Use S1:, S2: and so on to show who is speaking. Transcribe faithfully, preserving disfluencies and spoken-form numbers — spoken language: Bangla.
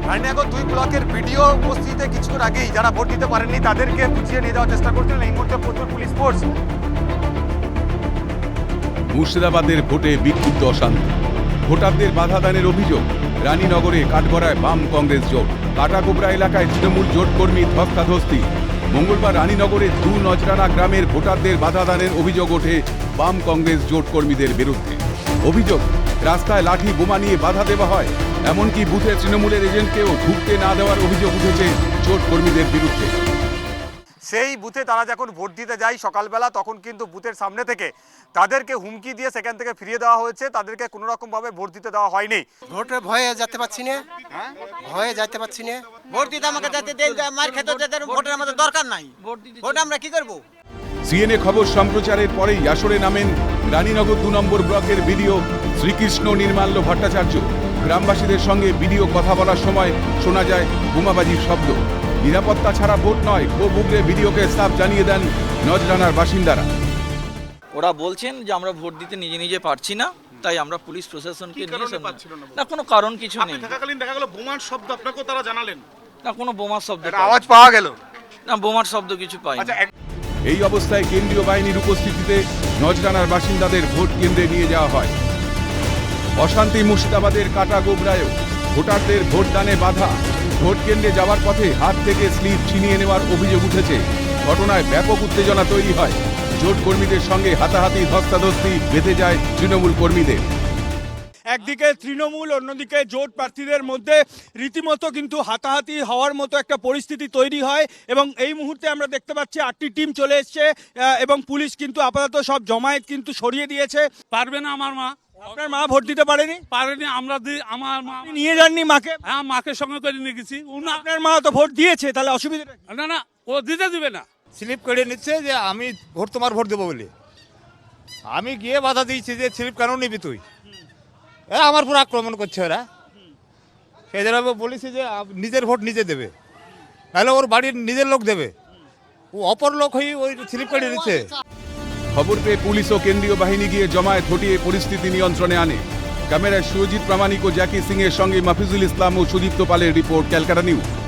S1: রানীনগর দুই ব্লকের ভিডিও উপস্থিতিতে কিছুক্ষণ আগেই যারা ভোট দিতে পারেননি তাদেরকে বুঝিয়ে নিয়ে যাওয়ার চেষ্টা করছিলেন। এই মুহূর্তে প্রচুর পুলিশ ফোর্স।
S2: মুর্শিদাবাদের ভোটে বিক্ষুব্ধ অশান্তি, ভোটারদের বাধা দানের অভিযোগ। রানীনগরে কাঠগড়ায় বাম কংগ্রেস জোট, কাটাকোবরা এলাকায় তৃণমূল জোট কর্মী ধস্তাধস্তি। মঙ্গলবার রানীনগরের দু নজরানা গ্রামের ভোটারদের বাধা দানের অভিযোগ ওঠে বাম কংগ্রেস জোট কর্মীদের বিরুদ্ধে। অভিযোগ, রাস্তায় লাঠি বোমা নিয়ে বাধা দেওয়া হয়, এমনকি বুথে তৃণমূলের এজেন্টকেও ঢুকতে না দেওয়ার অভিযোগ উঠেছে জোট কর্মীদের বিরুদ্ধে।
S1: সেই বুথে তারা যখন ভোট দিতে যায় সকালবেলা, তখন কিন্তু বুথের সামনে থেকে তাদেরকে হুমকি দিয়ে সেখান থেকে ফিরিয়ে দেওয়া হয়েছে। তাদেরকে কোনো রকম ভাবে ভোট দিতে দেওয়া হয়নি।
S3: ভোটে ভয়ে যেতে পারছি না, ভয়ে যেতে পারছি না।
S4: ভোট দিতে আমাকে যেতে দেন, মার খেতে যেতে ভোটের আমাদের দরকার নাই। ভোট আমরা কি করব?
S2: সিএনএ খবর সম্প্রচারের পরেই আসরে নামেন রানীনগর দু নম্বর ব্লকের বিডিও শ্রীকৃষ্ণ নির্মাল্য ভট্টাচার্য। গ্রামবাসীদের সঙ্গে বিডিও কথা বলার সময় শোনা যায় বোমাবাজির শব্দ। নিরাপত্তা ছাড়া ভোট নয়, ক্ষোভ উগরে বিডিওকে সাফ জানিয়ে দেন নজরানার বাসিন্দারা।
S5: ওরা বলছেন যে আমরা ভোট দিতে নিজে নিজে পারছি না, তাই আমরা পুলিশ প্রশাসনকে নিয়ে না, কোনো কারণ কিছু নেই।
S6: থাকাকালীন দেখা গেল বোমার শব্দ আপনাকেও তারা জানালেন?
S5: না, কোনো বোমার শব্দ,
S1: আওয়াজ পাওয়া গেল
S5: না, বোমার শব্দ কিছু পাই।
S2: এই অবস্থায় কেন্দ্রীয় বাহিনীর উপস্থিতিতে নজরানার বাসিন্দাদের ভোট কেন্দ্রে নিয়ে যাওয়া হয়। অশান্তি মুর্শিদাবাদের কাটাগোবরায়ও ভোটারদের ভোটদানে বাধা। ভোট কেন্দ্রে যাওয়ার পথে হাত থেকে স্লিপ ছিনিয়ে নেওয়ার অভিযোগ উঠেছে। ঘটনায় ব্যাপক উত্তেজনা তৈরি হয়। জোট কর্মীদের সঙ্গে হাতাহাতি ধস্তাধস্তি বেঁধে যায় তৃণমূল কর্মীদের।
S7: একদিকে তৃণমূল, অন্যদিকে জোট প্রার্থীদের মধ্যে রীতিমতো কিন্তু হাতাহাতি হওয়ার মতো একটা পরিস্থিতি তৈরি হয় এবং এই মুহূর্তে আমরা দেখতে পাচ্ছি আটটি টিম চলে এসছে এবং পুলিশ কিন্তু আপাতত সব জমায়েত কিন্তু সরিয়ে দিয়েছে।
S8: পারবে না আমার মা।
S7: আপনার মা ভোট দিতে পারেনি?
S8: পারেনি। আমরা আমার মা
S7: নিয়ে যাননি মাকে?
S8: হ্যাঁ, মাকে সঙ্গে করে নিয়ে গেছি।
S7: আপনার মা তো ভোট দিয়েছে, তাহলে অসুবিধাটা?
S8: না না, ও দিতে দিবে না।
S9: স্লিপ কেড়ে নিচ্ছে যে আমি ভোট তোমার ভোট দেবো বলে। আমি গিয়ে বাধা দিয়েছি যে স্লিপ কেন নিবি তুই? এ আমার পুরো আক্রমণ করছে ওরা। সেই জন্য আমি বলেছি যে নিজের ভোট নিজে দেবে, তাহলে ওর বাড়ির নিজের লোক দেবে। ও অপর লোক হয়ে ওই স্লিপ কেড়ে নিচ্ছে।
S2: খবর পেয়ে পুলিশ ও কেন্দ্রীয় বাহিনী গিয়ে জমায়েত হটিয়ে পরিস্থিতি নিয়ন্ত্রণে আনে। ক্যামেরায় সুরজিৎ প্রামাণিক ও জ্যাকি সিং এর সঙ্গে মাফিজুল ইসলাম ও সুদীপ্ত পালের রিপোর্ট, ক্যালকাটা নিউজ।